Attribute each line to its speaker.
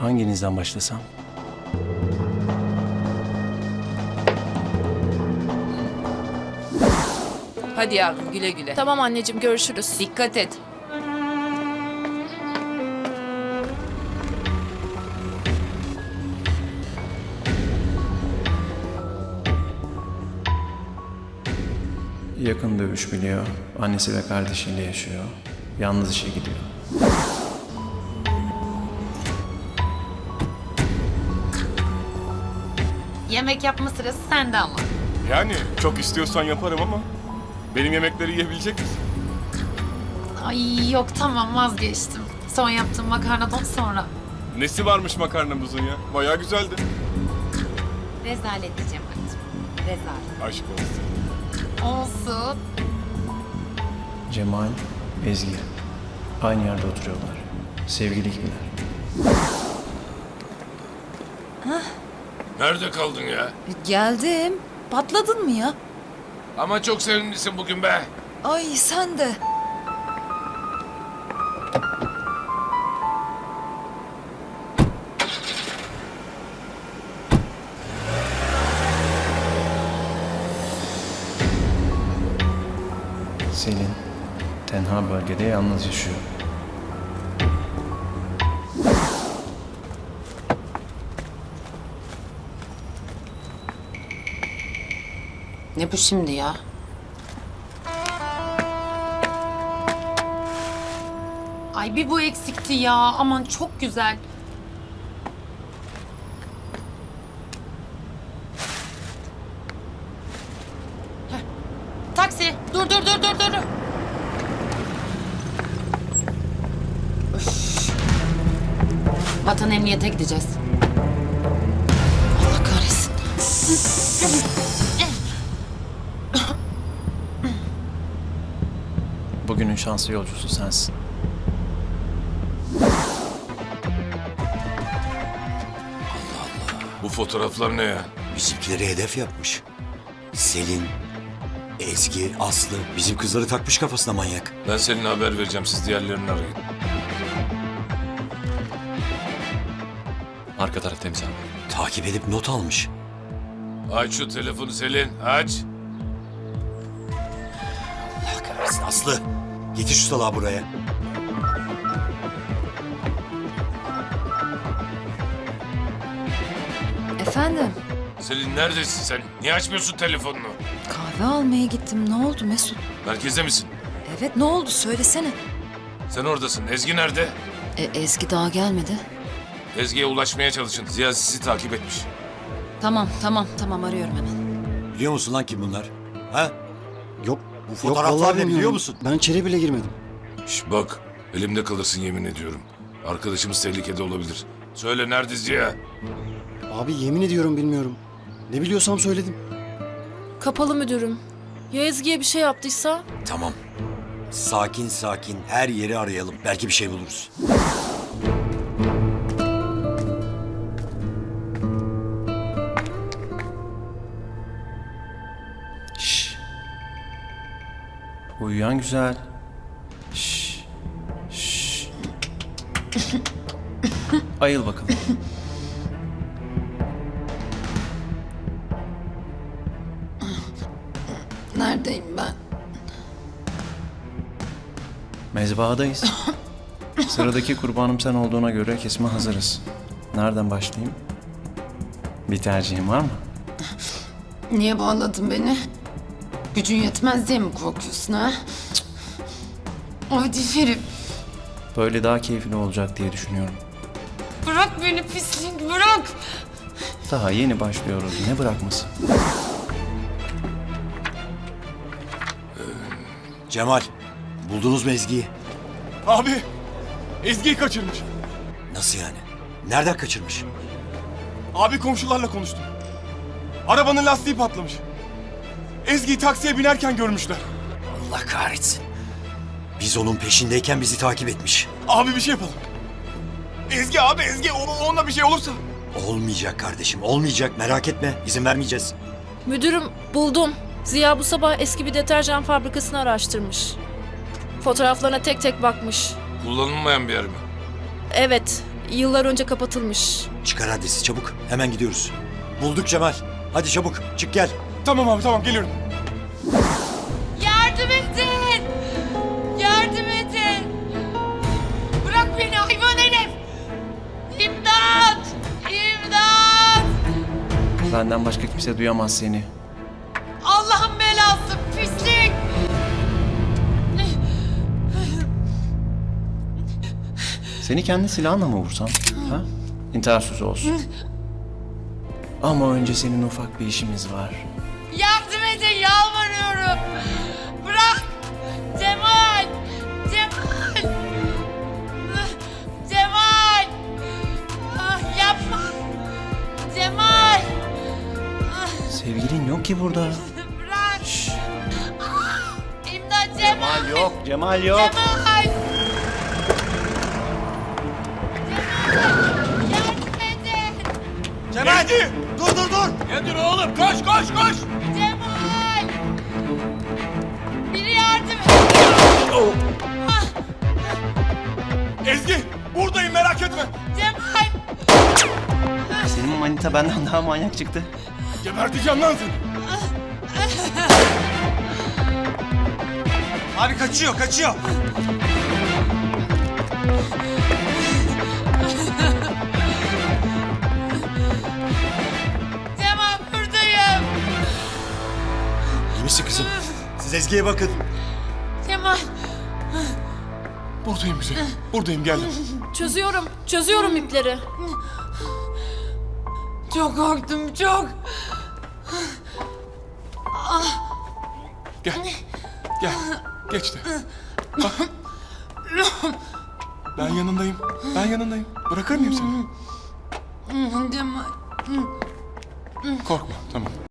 Speaker 1: Hanginizden başlasam?
Speaker 2: Hadi yavrum güle güle.
Speaker 3: Tamam anneciğim, görüşürüz.
Speaker 2: Dikkat et.
Speaker 1: Yakın dövüş biliyor. Annesi ve kardeşiyle yaşıyor. Yalnız işe gidiyor.
Speaker 4: Yemek yapma sırası sende ama.
Speaker 5: Yani çok istiyorsan yaparım ama benim yemekleri yiyebilecek misin?
Speaker 4: Ay yok tamam vazgeçtim. Son yaptığım makarnadan sonra.
Speaker 5: Nesi varmış makarnamızın ya? Bayağı güzeldi.
Speaker 4: Rezalet diyeceğim artık. Rezalet.
Speaker 5: Aşk olsun.
Speaker 4: Olsun.
Speaker 1: Cemal, Ezgi. Aynı yerde oturuyorlar. Sevgili gibiler.
Speaker 6: Nerede kaldın ya?
Speaker 7: Geldim. Patladın mı ya?
Speaker 6: Ama çok sevimlisin bugün be.
Speaker 7: Ay sen de.
Speaker 1: Selin, tenha bölgede yalnız yaşıyor.
Speaker 2: Ne bu şimdi ya?
Speaker 4: Ay bir bu eksikti ya. Aman çok güzel. Heh. Taksi. Dur. Üf. Vatan emniyete gideceğiz. Allah kahretsin.
Speaker 1: Bugünün şanslı yolcusu sensin.
Speaker 6: Bu fotoğraflar ne ya?
Speaker 8: Bizimkileri hedef yapmış. Selin, Ezgi, Aslı bizim kızları takmış kafasına manyak.
Speaker 6: Ben seninle haber vereceğim, siz diğerlerini arayın.
Speaker 9: Arka taraf temiz abi.
Speaker 8: Takip edip not almış.
Speaker 6: Aç şu telefonu Selin, aç.
Speaker 8: Allah kahretsin Aslı. Getir şu salağı buraya.
Speaker 7: Efendim,
Speaker 6: Selin neredesin sen? Niye açmıyorsun telefonunu?
Speaker 7: kahve almaya gittim. Ne oldu Mesut?
Speaker 6: Merkezde misin?
Speaker 7: Evet, ne oldu? Söylesene.
Speaker 6: Sen oradasın. Ezgi nerede?
Speaker 7: Ezgi daha gelmedi.
Speaker 6: Ezgi'ye ulaşmaya çalışın. Ziya sizi takip etmiş.
Speaker 7: Tamam, arıyorum hemen.
Speaker 8: Biliyor musun lan kim bunlar? Ha?
Speaker 10: Yok.
Speaker 8: Bu fotoğraflar ne biliyor musun?
Speaker 10: Ben içeri bile girmedim.
Speaker 6: Şş bak, elimde kalırsın yemin ediyorum. Arkadaşımız tehlikede olabilir. Söyle nerede Ziya?
Speaker 10: Abi yemin ediyorum bilmiyorum. Ne biliyorsam söyledim.
Speaker 3: Kapalı müdürüm. Ya Ezgi'ye bir şey yaptıysa?
Speaker 8: Tamam. Sakin her yeri arayalım. Belki bir şey buluruz.
Speaker 1: Şşş. Uyuyan güzel. Şşş. Şşş. Ayıl bakalım.
Speaker 7: Neredeyim ben?
Speaker 1: Mezbahadayız. Sıradaki kurbanım sen olduğuna göre kesime hazırız. Nereden başlayayım? Bir tercihin var mı?
Speaker 4: Niye bağladın beni? Gücün yetmez diye mi korkuyorsun ha? Hadi Ferit.
Speaker 1: Böyle daha keyifli olacak diye düşünüyorum.
Speaker 4: Bırak beni pislik bırak.
Speaker 1: Daha yeni başlıyoruz. Ne bırakması?
Speaker 8: Cemal, buldunuz mu Ezgi'yi?
Speaker 5: Abi Ezgi'yi kaçırmış.
Speaker 8: Nasıl yani? Nereden kaçırmış?
Speaker 5: Abi komşularla konuştum. Arabanın lastiği patlamış. Ezgi'yi taksiye binerken görmüşler.
Speaker 8: Allah kahretsin. Biz onun peşindeyken bizi takip etmiş.
Speaker 5: Abi bir şey yapalım. Ezgi abi Ezgi onunla bir şey olursa.
Speaker 8: Olmayacak kardeşim, olmayacak. Merak etme, izin vermeyeceğiz.
Speaker 3: Müdürüm, buldum. Ziya bu sabah eski bir deterjan fabrikasını araştırmış. Fotoğraflarına tek tek bakmış.
Speaker 6: Kullanılmayan bir yer mi?
Speaker 3: Evet, Yıllar önce kapatılmış.
Speaker 8: Çıkar adresi çabuk. Hemen gidiyoruz. Bulduk Cemal. Hadi çabuk çık gel.
Speaker 5: Tamam abi tamam geliyorum.
Speaker 2: Yardım edin! Yardım edin! Bırak beni hayvan herif! İmdat! İmdat!
Speaker 1: Benden başka kimse duyamaz seni.
Speaker 2: Allah'ın belası pislik!
Speaker 1: Seni kendi silahınla mı vursam? Ha? İntihar sözü olsun. Ama önce senin ufak bir işimiz var.
Speaker 2: Yardım edin yalvarıyorum! Bırak! Cemal! Cemal! Cemal! Ah, yapma! Cemal!
Speaker 1: Sevgilin yok ki burada.
Speaker 2: Bırak! Ah, İmdat Cemal!
Speaker 1: Yok, Cemal yok.
Speaker 2: Cemal! Yardım edin!
Speaker 8: Cemal! Dur!
Speaker 5: Nedir oğlum? Koş koş koş!
Speaker 2: Cemal! Biri yardım edin!
Speaker 5: Ezgi buradayım merak etme.
Speaker 2: Cemal!
Speaker 1: Senin manita benden daha manyak çıktı.
Speaker 5: Geberteceğim lan seni.
Speaker 8: Abi kaçıyor.
Speaker 2: Cemal buradayım!
Speaker 8: İyi misin kızım? Siz Ezgi'ye bakın.
Speaker 2: Cemal!
Speaker 5: Buradayım güzel. Buradayım geldim.
Speaker 3: Çözüyorum ipleri.
Speaker 2: Çok korktum çok!
Speaker 5: Gel. Gel. Geç de. Bak. Ben yanındayım. Bırakır mıyım seni?
Speaker 2: Cemal!
Speaker 5: Korkma tamam.